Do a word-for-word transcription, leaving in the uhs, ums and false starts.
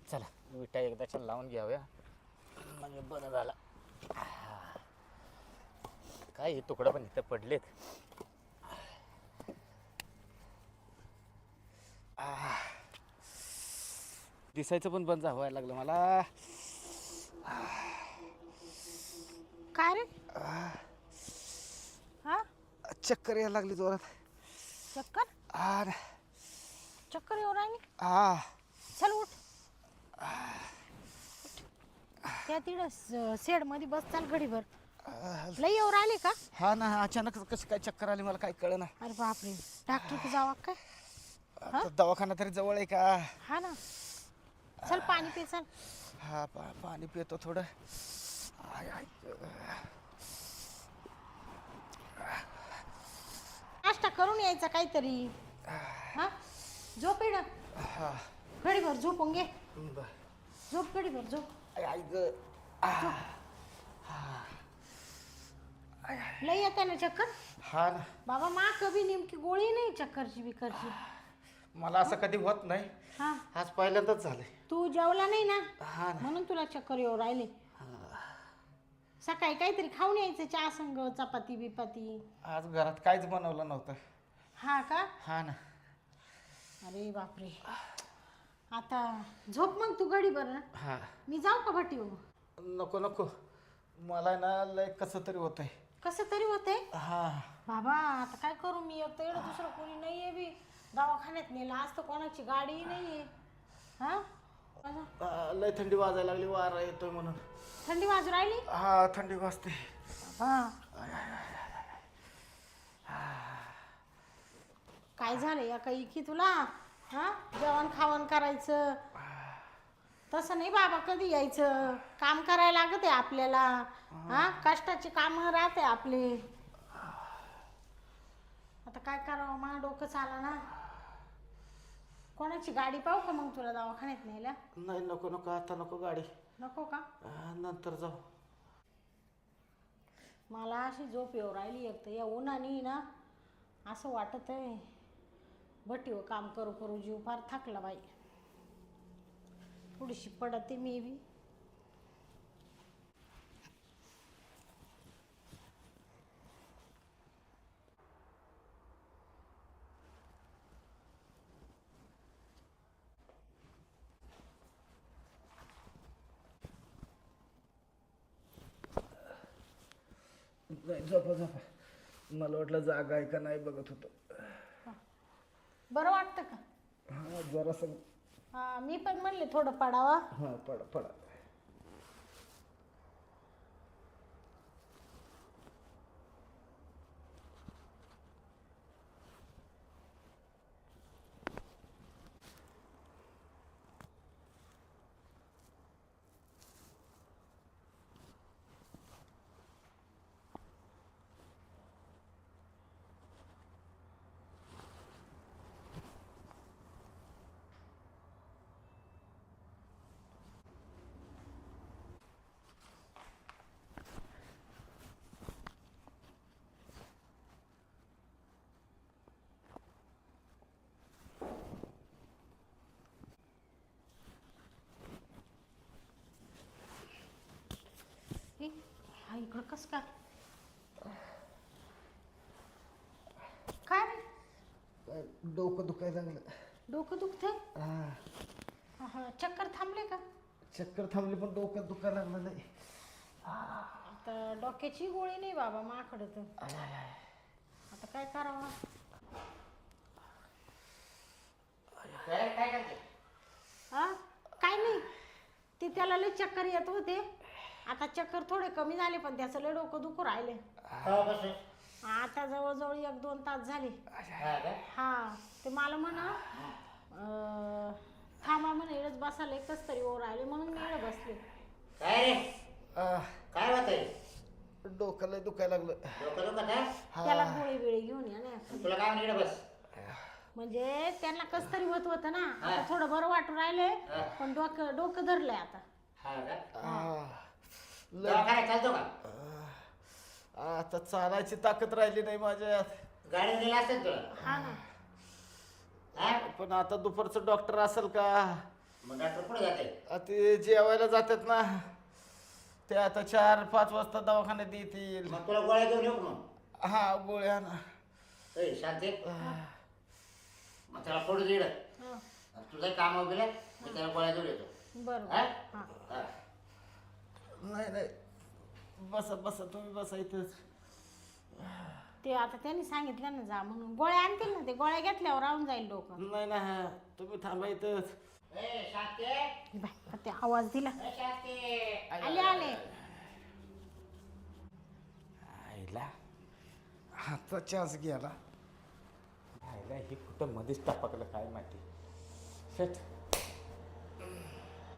चला विटा एकदाच्या लावून घ्याव्या म्हणजे बरं झालं. काय हे तुकडं पण इथं पडलेत. दिसायचं पण बंद व्हायला लागलं मला. काय रे? हा चक्कर यायला लागली जोरात. चक्कर आ चक्कर येऊ राहिली. आ चल उठ. त्या तिकडं शेड मध्ये बस, चाल घडीभर. लई येऊ राहिली का? हा ना, अचानक कशी काय चक्कर आली मला काय कळना. अरे बापरे, डॉक्टर जावा काय? आता दवाखाना तरी जवळ आहे का? हा ना, चल पाणी पे चल. हा पा पाणी पितो थोडं. आय आय नाश्ता करून यायचा काहीतरी. हा झोप इड, हा घडीभर झोपून घे. बर. झोप घडीभर झोप. आय आय ग. लई येते ना चक्कर? हा ना, बाबा मा कभी नेमकी गोळी नाही चक्करची बिकरची. मला असं कधी होत नाही. हा आज पहिल्यांदाच झालंय. तू जेवला नाही ना हा ना. म्हणून तुला चक्कर येऊ राहिले. सकाळी काहीतरी खाऊन यायचं, चहा संग चपाती बिपाती. आज घरात काहीच बनवलं नव्हतं. हा का? हा ना. अरे बापरे, आता झोप मग तू घडी बरं. हा मी जाऊ का भटी हो? नको नको, मला ना लय कसं तरी होतंय. कसं तरी होतंय हा बाबा. आता काय करू मी, एक तर एवढं दुसरं कोणी नाहीये बी. दवाखान्यात नेलं आज तर कोणाची गाडीही नाहीये. हा आ, लय थंडी वाजायला लागली, वारा येतोय म्हणून. थंडी वाजू राहिली हा थंडी वाजते. बाबा. काय झालं या काही की तुला? हा जेवण खावण करायचं तसं नाही बाबा. कधी यायचं, काम करायला लागत आहे आपल्याला. हा कष्टाची कामं राहते आपले. आता काय करावं, मला डोकं चाला ना. कोणाची गाडी पाहू का मग तुला दवाखान्यात न्यायला? नाही नको नको, आता नको गाडी. नको का? आ, नंतर जाऊ. मला अशी झोप येऊ राहिली. एक तर या उन्हाने ना असं वाटत आहे भटीवर काम करू करू जीव फार थकला बाई. थोडीशी पडते मी बी. नाही झोपा झोपा, मला वाटलं जागा आहे का नाही बघत होतो. बरं वाटतं का? हा जरासं. हा मी पण म्हणले थोडं पडावा. हा पडा पडा. हे, हा इकडं कसं काय? काय रे? डोकं दुखायला लागलं. डोकं दुखतंय? हा हा चक्कर थांबले का? चक्कर थांबली पण डोकं दुखायला लागलं. नाही आता डोक्याची गोळी नाही बाबा माझ्याकडे तर. आता काय करावं? हा काय नाही, ते त्याला लय चक्कर येत होते. आता चक्कर थोडे कमी झाले पण त्याचं लय डोकं दुखू राहिले. आता जवळजवळ एक दोन तास झाले. हा ते मला म्हणा थांबा म्हणे, इकडंच बसायला एकच तरी ओर राहिले म्हणून मी इकडे बसले. काय रे? काय होतंय? डोकं लय दुखायला लागलं. डोकं दुखत आहे? त्याला गोळी बिळी घेऊन या ना. तुला काय म्हणलं बस? म्हणजे त्यांना कस तरी होत होतं ना. आता थोडं बरं वाटू राहिले पण डोकं डोकं धरलंय आता. हा का? आ, लय दवाखान्यात चालतो का? आ, आता चालायची ताकद राहिली नाही माझ्यात. गाडीने गेला असेल तुला. हा ना. हा? पण आता दुपारचं डॉक्टर असेल का? मग डॉक्टर पुढे जाते. आ, ते जेवायला जातात ना, ते आता चार पाच वाजता दवाखान्यात येतील. मग तुला गोळ्या घेऊन येऊ का मग? हा गोळ्या ना. ए, शांती मग त्याला पडू दे इकडं. हा, तुझं काम वगैरे मी त्याला गोळ्या घेऊन येतो. बरं हा? हा. हा. नाही नाही, बसा बसा तुम्ही बसा इथंच. ते आता त्यांनी सांगितलं ना जा म्हणून, गोळ्या आणतील ना, ते गोळ्या घेतल्यावर राहून जाईल डोकं. नाही ना, तुम्ही थांबा इथंच. ए, शांती हे बाय, ते आवाज दिला. ए, शांती आले आले. आईला हातचा चान्स गेला. आईला हे कुठं मध्येच टापकलं काय माहिती. शेट